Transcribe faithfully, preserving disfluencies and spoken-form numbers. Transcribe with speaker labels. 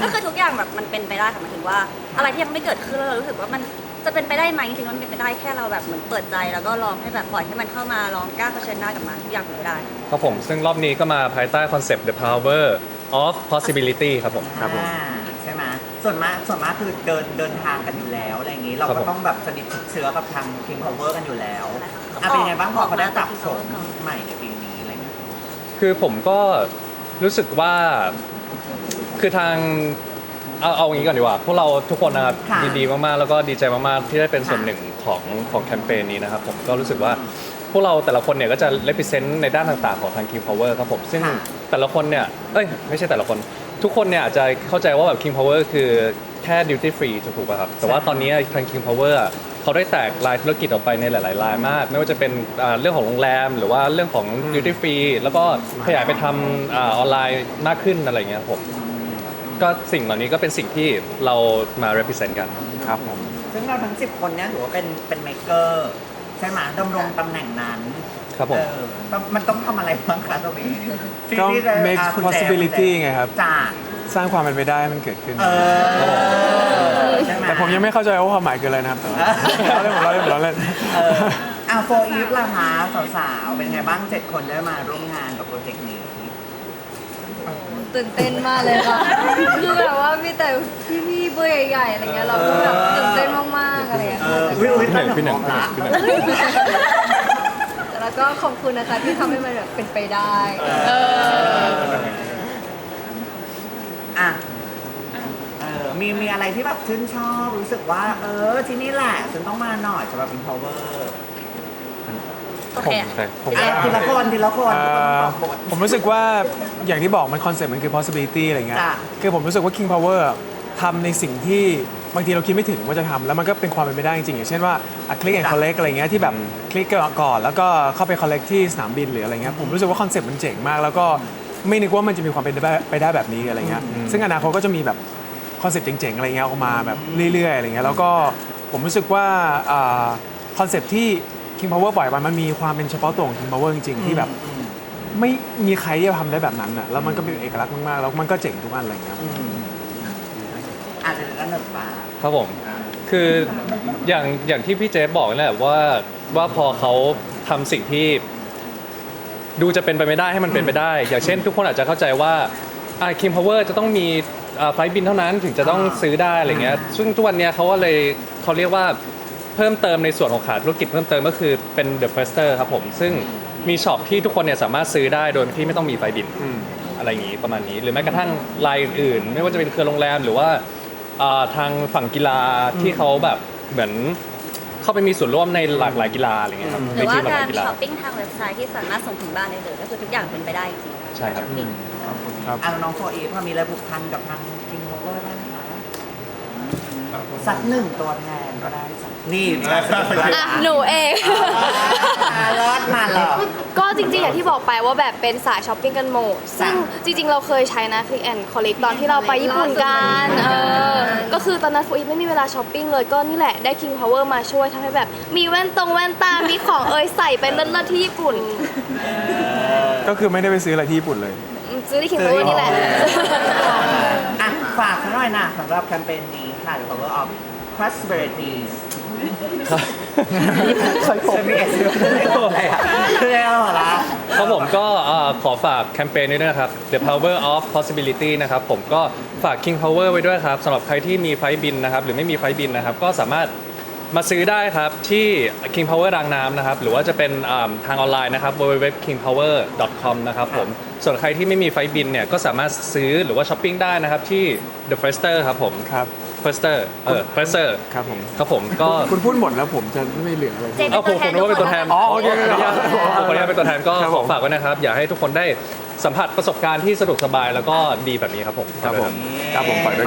Speaker 1: ก็คือทุกอย่างแบบมันเป็นไปได้ค่ะหมายถึงว่าอะไรที่ยังไม่เกิดขึ้นแล้วเรารู้สึกว่ามันจะเป็นไปได้ไหมจริงๆมันเป็นไปได้แค่เราแบบเหมือนเปิดใจแล้วก็ลองให้แบบปล่อยให้มันเข้ามาลองกล้าเผชิญหน้ากับมันทุกอย่างเป็นไปได้
Speaker 2: ครับผมซึ่งรอบนี้ก็มาภายใต้คอนเซปต์ The Power of Possibility ครับผมครับผม
Speaker 3: อ่าใช่ไหมส่วนมากส่วนมากคือเดินเดินทางกันอยู่แล้วอะไรอย่างนี้เรา
Speaker 2: ครับ
Speaker 3: ก็
Speaker 2: ผม
Speaker 3: ต้องแบบสนิทชิดเชื้อกับทาง King Power กันอยู่แล้วอ่ะเป็นไงบ้างพอเขาได้ปรับโฉมใหม่ในปีนี้อะไรเงี้ย
Speaker 2: คือผมก็รู้สึกว่าคือทางเอาเอาอย่างนี้ก่อนดีกว่าพวกเราทุกคนนะครับ
Speaker 3: ค่ะ
Speaker 2: ยินดีมากๆแล้วก็ดีใจมากๆที่ได้เป็นส่วน
Speaker 3: ค่ะ
Speaker 2: หนึ่งของของแคมเปญนี้นะครับผมก็รู้สึกว่าพวกเราแต่ละคนเนี่ยก็จะ represent ในด้านต่างๆของทาง King Power ครับผมซึ่ง
Speaker 3: ค่ะ
Speaker 2: แต่ละคนเนี่ยเอ้ยไม่ใช่แต่ละคนทุกคนเนี่ยอาจจะเข้าใจว่าแบบ King Power คือแค่ duty free ถูกป่ะครับแต่ว่าตอนนี้ทาง King Power อะเขาได้แตกรายธุรกิจออกไปในหลายๆรายมาก ไม่ว่าจะเป็นอ่าเรื่องของโรงแรมหรือว่าเรื่องของ duty free แล้วก็ขยายไปทำอาออนไลน์มากขึ้นอะไรเงี้ยครับผมก็สิ่งเหล่านี้ก็เป็นสิ่งที่เรามา represent กันครับผม
Speaker 3: ซึ่งเราทั้งสิบคนเนี้ยถือว่าเป็นเป็นเมเกอร์ใช่ไหมดำรงตำแหน่งนั้น
Speaker 2: ครับผม
Speaker 3: เออต้องมันต้องทำอะไรบ้างคะตรงนี้ที่
Speaker 4: ก็
Speaker 3: ที่จะ
Speaker 4: make
Speaker 3: อ่ะคุณแจ
Speaker 4: possibility
Speaker 3: คุณแจ
Speaker 4: ไงครับ
Speaker 3: จ้า
Speaker 4: สร้างความเป็นไปได้ให้มันเกิดขึ้น
Speaker 3: เออใช่ไหม
Speaker 4: แต่ผมยังไม่เข้าใจว่าความหมายคืออะไรนะครับแต่ว่าเราเล่นผมเราเล่นผมเราเล่น
Speaker 3: เอออ่ะโฟอีฟล่ะคะสาวๆเป็นไงบ้างเจ็ดคนได้มาร่วมงานกับโปรเจกต์นี้
Speaker 5: ตื่นเต้นมากเลยค่ะ คือแบบว่ามีแต่พี่ๆเบอร์ใหญ่ๆอะไรเงี้ยเราก็แบบตื่นเต้นมากๆอะไรเงี้ย
Speaker 3: เอ
Speaker 5: ค่ะ
Speaker 3: ออุ้ยอุ้ย
Speaker 2: พี่หนึ่ง
Speaker 3: ตั้
Speaker 2: พี่หนึ่ง
Speaker 3: ละ
Speaker 2: พี่หนึ่ง
Speaker 5: แล้วก็ขอบคุณนะคะที่ทำให้มันแบบเป็นไปได้
Speaker 3: เอออ่ะเออมีมีอะไรที่แบบชื่นชอบรู้สึกว่า เออที่นี่แหละฉันต้องมาหน่อยสำหรับ Empower
Speaker 1: โอเค
Speaker 2: ใช่ผม
Speaker 3: อ่ะทีละคนทีละคน
Speaker 4: เอ่
Speaker 3: ทุกคนต้อง
Speaker 4: อ
Speaker 3: ตอบบท
Speaker 4: ผมรู้สึกว่าอย่างที่บอกมันคอนเซ็ปต์มันคือ possibility อะไรเงี้ย
Speaker 3: จ้ะ
Speaker 4: คือผมรู้สึกว่า King Power ทำในสิ่งที่บางทีเราคิดไม่ถึงว่าจะทำแล้วมันก็เป็นความเป็นไปได้จริงๆอย่างเช่นว่าคลิกแอนด์คอลเลกอะไรเงี้ยที่แบบคลิกก่อนแล้วก็เข้าไปคอลเลกที่สนามบินหรืออะไรเงี้ยผมรู้สึกว่าคอนเซ็ปต์มันเจ๋งมาก แล้วก็ไม่นึกว่ามันจะมีความเป็นไปได้แบบนี้อะไรเงี้ยซึ่งอนาคตก็จะมีแบบคอนเซ็ปต์เจ๋งๆอะไรเงี้ยออกมาแบบเรื่อยๆอะไรเงี้ยแล้วก็ผมรู้สึกว่าคอนเซ็ปต์ที่ King Power ปล่อยไปมันมีความเป็นเฉพาะตัวของ King Power จริงๆที่แบบไม่มีใครที่จะทำได้แบบนั้นอ่ะแล้วมันก็เป็นเอกลักษณ์มากๆแล้วมันก็เจ๋งทุกอันอะไรเงี้ย
Speaker 3: อาจจะด้านหนึ่งป่า
Speaker 2: ครับผมคืออย่างอย่างที่พี่เจฟบอกนั่นแหละว่าว่าพอเขาทำสิ่งที่ดูจะเป็นไปไม่ได้ให้มันเป็นไปได้ อย่างเช่น ทุกคนอาจจะเข้าใจว่าอ่า King Power จะต้องมีอ่าไฟล์บินเท่านั้นถึงจะต้องซื้อได้อะไรเงี้ยซึ่งทุกวันเนี้ยเขาก็เลยเขาเรียกว่าเพิ่มเติมในส่วนของขาธุรกิจเพิ่มเติมก็คือเป็น The Firster ครับผมซึ่งมีช็อปที่ทุกคนเนี่ยสามารถซื้อได้โดยที่ไม่ต้องมีไฟล์บินอะไรอย่างนี้ประมาณนี้หรือแม้กระทั่งรายอื่นๆไม่ว่าจะเป็นเครือโรงแรมหรือว่าอ่าทางฝั่งกีฬาที่เขาแบบเหมือนเข้าไปมีส่วนร่วมในหลากหลายกีฬาอะไรเงี้ยครับ
Speaker 1: หรือว่า
Speaker 2: ในทีมหลากห
Speaker 1: กา
Speaker 2: ลาร ยกีฬา
Speaker 1: ช้อปปิ้งทางเว็บไซต์ที่สามารถส่งถึงบ้านได้เลยก็คือทุกอย่างเป็นไปได้จริงๆ
Speaker 2: ใช่ครับ
Speaker 1: ช้อปปิ้ง
Speaker 4: ครับ
Speaker 3: อ่ะน้องโฟอีฟมีอะไรผูกพันกับทาง King Power บ้างไหมคะสักหนึ่งตัวแทนก็ได้สักนี่มีอะไรสักตัวแทน
Speaker 6: อ่ะหนูเอง
Speaker 3: อ่ะรอดมาเหรอ
Speaker 6: ก็จริงๆ อย่างที่บอกไปว่าแบบเป็นสายช้อปปิ้งกันหมดซึ่งจริงๆ เราเคยใช้นะ Click and Collect ตอนที่เราไปญี่ปุ่นกันเออก็คือตอนนั้นฟูอีฟไม่มีเวลาช้อปปิ้งเลยก็นี่แหละได้ King Power มาช่วยทำให้แบบมีแว่นตรงแว่นตา มีของเอยใส่ไปเลิศๆที่ญี่ปุ่น
Speaker 4: ก็คือไม่ได้ไปซื้ออะไรที่ญี่ปุ่นเลย
Speaker 6: อืมซื้อที่ King Power นี่แหละ
Speaker 3: อ่ะฝากสักหน่อยนะสำหรับแคมเปญนี้ค่ะ The Power of Possibilities
Speaker 2: ใช่ผม
Speaker 3: จะมีเอสอะไรอ่ะเรื่องอะไรล่ะ
Speaker 2: ครับผมก็เอ่อขอฝากแคมเปญนี้ด้วยนะครับ The Power of Possibility นะครับผมก็ฝาก King Power ไว้ด้วยครับสำหรับใครที่มีไฟล์บินนะครับหรือไม่มีไฟล์บินนะครับก็สามารถมาซื้อได้ครับที่ King Power รางน้ำนะครับหรือว่าจะเป็นอ่าทางออนไลน์นะครับ ดับเบิลยู ดับเบิลยู ดับเบิลยู ดอท คิง พาวเวอร์ ดอท คอม นะครับผมส่วนใครที่ไม่มีไฟล์บินเนี่ยก็สามารถซื้อหรือว่าช้อปปิ้งได้นะครับที่ The Firster ครับผม
Speaker 4: ครับ
Speaker 2: Firster เออ Firster
Speaker 4: ครับผม
Speaker 2: ครับผมก็
Speaker 4: คุณพูดหมดแล้วผมจะไม่เหลืออะไร
Speaker 1: เจ
Speaker 2: เอาผมผมนึกว่าเป็นตัวแทน
Speaker 4: อ๋อโอเค
Speaker 2: ขออนุญาตขออนุญาตเป็นตัวแทนก็
Speaker 4: ครับ
Speaker 2: ข
Speaker 4: ผ
Speaker 2: อ
Speaker 4: ม
Speaker 2: ฝากไว้นะครับ อยากให้ทุกคนได้สัมผัสประสบการณ์ที่สะดวกสบายแล้วก็ดีแบบนี้ครับผม
Speaker 4: ครับผมครับผมฝากด้วย